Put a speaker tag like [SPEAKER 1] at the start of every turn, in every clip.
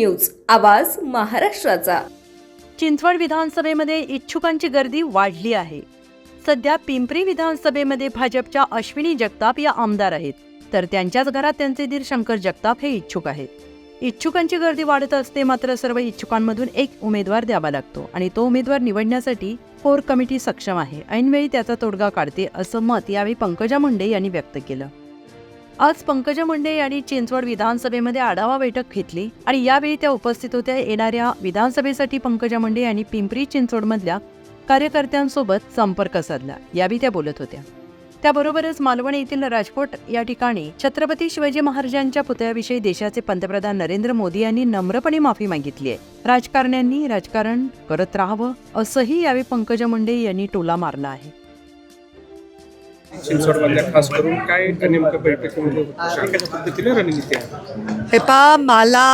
[SPEAKER 1] News, आवाज महाराष्ट्राचा।
[SPEAKER 2] चिंचवड विधानसभेमध्ये इच्छुकांची गर्दी वाढली आहे। सध्या पिंपरी विधानसभेमध्ये भाजपच्या अश्विनी जगताप या आमदार आहेत, तर त्यांच्याच घरात त्यांचे दीर शंकर जगताप हे इच्छुक आहेत। इच्छुकांची गर्दी वाढत असते, मात्र सर्व इच्छुकांमधून एक उमेदवार द्यावा लागतो आणि तो उमेदवार निवडण्यासाठी कोर कमिटी सक्षम आहे। ऐनवेळी त्याचा तोडगा काढते असं मत यावेळी पंकजा मुंडे यांनी व्यक्त केलं। आज पंकजा मुंडे यांनी चिंचवड विधानसभेमध्ये आढावा बैठक घेतली आणि यावेळी त्या उपस्थित होत्या। येणाऱ्या विधानसभेसाठी पंकजा मुंडे यांनी पिंपरी चिंचवडमधल्या कार्यकर्त्यांसोबत संपर्क साधला, यावेळी त्या बोलत होत्या। त्याबरोबरच मालवण येथील राजकोट या ठिकाणी छत्रपती शिवाजी महाराजांच्या पुतळ्याविषयी देशाचे पंतप्रधान नरेंद्र मोदी यांनी नम्रपणे माफी मागितली आहे। राजकारण्यांनी राजकारण करत राहावं असंही यावेळी पंकजा मुंडे यांनी टोला मारला आहे।
[SPEAKER 3] चिंचवडमधल्या खास करून काय नेमकं बैठकीमध्ये कशा पद्धतीने रणनीती आहे?
[SPEAKER 4] हे पहा, मला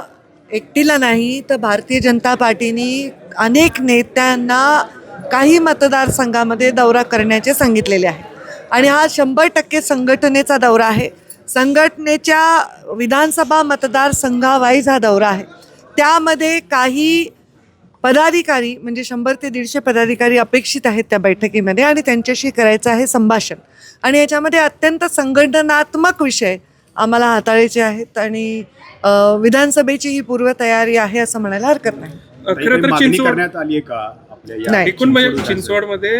[SPEAKER 4] एकटीला नाही तर भारतीय जनता पार्टीने अनेक नेत्यांना काही मतदारसंघामध्ये दौरा करण्याचे सांगितलेले आहे आणि हा 100% संघटनेचा दौरा आहे। संघटनेच्या विधानसभा मतदारसंघावाईज हा दौरा आहे। त्यामध्ये काही पदाधिकारी म्हणजे 100 ते 150 पदाधिकारी अपेक्षित आहेत त्या बैठकीमध्ये आणि त्यांच्याशी करायचं आहे संभाषण आणि याच्यामध्ये अत्यंत संघटनात्मक विषय आम्हाला हाताळायचे आहेत आणि विधानसभेची ही पूर्वतयारी आहे असं म्हणायला हरकत नाही।
[SPEAKER 3] खरं तर चिंचवड
[SPEAKER 5] करण्यात आली आहे का आपल्या
[SPEAKER 3] एकूण म्हणजे चिंचवडमध्ये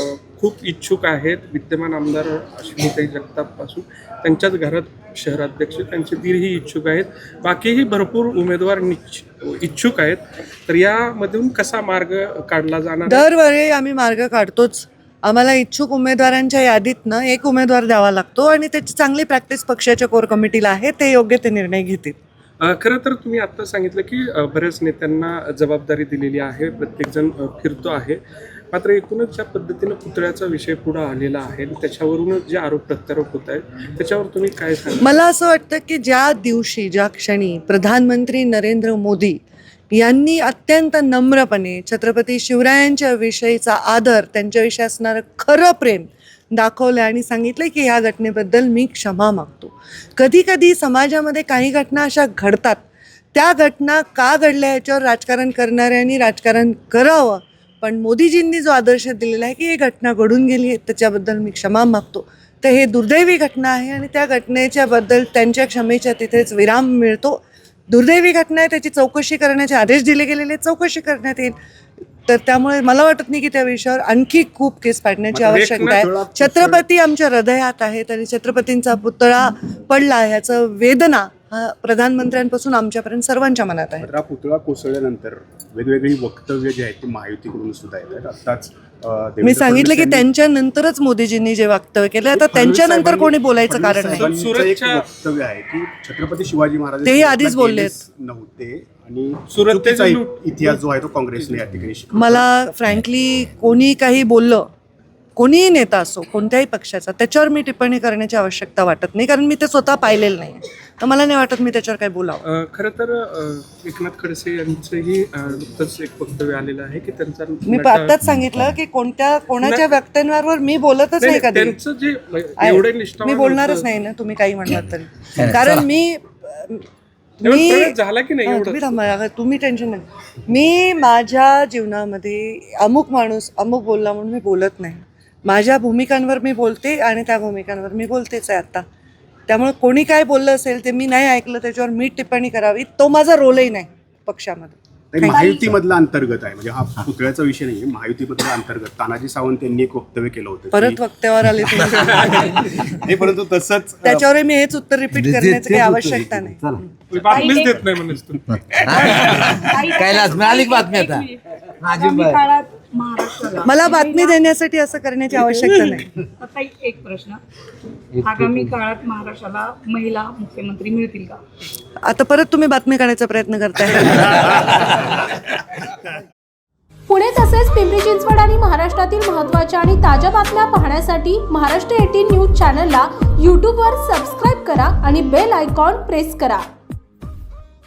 [SPEAKER 3] खूप इच्छुक आहेत। विद्यमान आमदार अश्विनीताई जगताप पासून त्यांच्याच घरात शहराध्यक्ष त्यांचे दीरही इच्छुक आहेत, बाकीही भरपूर उमेदवार इच्छुक आहेत। तर यामधून कसा मार्ग काढला जाणार?
[SPEAKER 4] दरवेळी आम्ही मार्ग काढतोच। आम्हाला इच्छुक उमेदवारांच्या यादीतनं एक उमेदवार द्यावा लागतो आणि त्याची चांगली प्रॅक्टिस पक्षाच्या कोर कमिटीला आहे, ते योग्य ते निर्णय घेतील।
[SPEAKER 3] खरं तर तुम्ही आता सांगितलं की बऱ्याच नेत्यांना जबाबदारी दिलेली आहे, प्रत्येकजण फिरतो आहे, मात्र एकूणच ज्या पद्धतीनं पुतळ्याचा विषय पुढे आलेला आहे त्याच्यावरूनच जे आरोप प्रत्यारोप होत आहेत त्याच्यावर तुम्ही काय सांगा?
[SPEAKER 4] मला असं वाटतं की ज्या दिवशी ज्या क्षणी प्रधानमंत्री नरेंद्र मोदी यांनी अत्यंत नम्रपणे छत्रपती शिवरायांच्या विषयीचा आदर, त्यांच्याविषयी असणारं खरं प्रेम दाखवलं आणि सांगितलं की ह्या घटनेबद्दल मी क्षमा मागतो। कधी कधी समाजामध्ये काही घटना अशा घडतात, त्या घटना का घडल्या याच्यावर राजकारण करणाऱ्यांनी राजकारण करावं, पण मोदीजींनी जो आदर्श दिलेला आहे की ही घटना घडून गेली आहे त्याच्याबद्दल मी क्षमा मागतो, तर हे दुर्दैवी घटना आहे आणि त्या घटनेच्याबद्दल त्यांच्या क्षमेच्या तिथेच विराम मिळतो। दुर्दैवी घटना आहे, त्याची चौकशी करण्याचे आदेश दिले गेलेले, चौकशी करण्यात येईल। तर त्यामुळे मला वाटत नाही की त्या विषयावर आणखी खूप केस पाडण्याची आवश्यकता आहे। छत्रपती आमच्या हृदयात आहेत आणि छत्रपतींचा पुतळा पडला ह्याचं वेदना हा प्रधानमंत्र्यांपासून आमच्यापर्यंत सर्वांच्या मनात आहे।
[SPEAKER 5] हा पुतळा कोसळल्यानंतर वेगवेगळी वक्तव्य जे आहेत ते महायुतीकडून सुद्धा येत आहेत। आताच
[SPEAKER 4] मी सांगितलं की त्यांच्यानंतरच मोदीजींनी जे वक्तव्य केलं, आता त्यांच्यानंतर कोणी बोलायचं कारण नाही।
[SPEAKER 5] वक्तव्य आहे की छत्रपती शिवाजी महाराज
[SPEAKER 4] तेही आधीच बोलले
[SPEAKER 5] नव्हते आणि सुरतेचा इतिहास जो आहे तो काँग्रेसने या ठिकाणी
[SPEAKER 4] मला फ्रँकली कोणी काही बोललं, कोणीही नेता असो कोणत्याही पक्षाचा, त्याच्यावर मी टिप्पणी करण्याची आवश्यकता वाटत नाही, कारण मी ते स्वतः पाहिलेलं नाही, तर मला नाही वाटत मी त्याच्यावर काही बोलावं।
[SPEAKER 3] खरं तर एकनाथ खडसे यांचंही नुकतंच एक वक्तव्य आलेलं आहे की त्यांचा,
[SPEAKER 4] मी आत्ताच सांगितलं की कोणाच्या वक्तव्यांवर मी बोलतच नाही कधी,
[SPEAKER 3] त्यांचं जे एवढे
[SPEAKER 4] मी बोलणारच नाही ना, तुम्ही काही म्हणलात तरी, कारण मी
[SPEAKER 3] झाला की नाही
[SPEAKER 4] तुम्ही टेन्शन नाही। मी माझ्या जीवनामध्ये अमुक माणूस अमुक बोलला म्हणून मी बोलत नाही। माझ्या भूमिकांवर मी बोलते आणि त्या भूमिकांवर मी बोलतेच आहे आता। त्यामुळे कोणी काय बोललं असेल ते मी नाही ऐकलं, त्याच्यावर मी टिप्पणी करावी, तो माझा रोलही नाही पक्षामध्ये।
[SPEAKER 5] महायुतीमधला अंतर्गत आहे, म्हणजे हा पुतळ्याचा विषय नाही, महायुतीमधला अंतर्गत तानाजी सावंत यांनी एक वक्तव्य केलं होतं,
[SPEAKER 4] परत वक्त्यावर आले
[SPEAKER 5] नाही, परंतु तसंच
[SPEAKER 4] त्याच्यावर मी हेच उत्तर रिपीट करण्याची काही आवश्यकता नाही।
[SPEAKER 3] बातमीच देत नाही म्हणून
[SPEAKER 6] कैलास मिळाली बातमी आता
[SPEAKER 4] मला बातमी देण्यासाठी असं करण्याची आवश्यकता नाही।
[SPEAKER 7] आता एक प्रश्न, आगामी काळात महाराष्ट्राला महिला मुख्यमंत्री मिळतील का?
[SPEAKER 4] आता परत तुम्ही बातमी काढायचा प्रयत्न करताय।
[SPEAKER 8] पुणे तसेच पिंपरी चिंचवड आणि महाराष्ट्रातील महत्त्वाच्या आणि ताज्या बातम्या पाहण्यासाठी महाराष्ट्र 18 न्यूज चॅनलला यूट्यूबवर सबस्क्राईब करा आणि बेल आयकॉन प्रेस करा।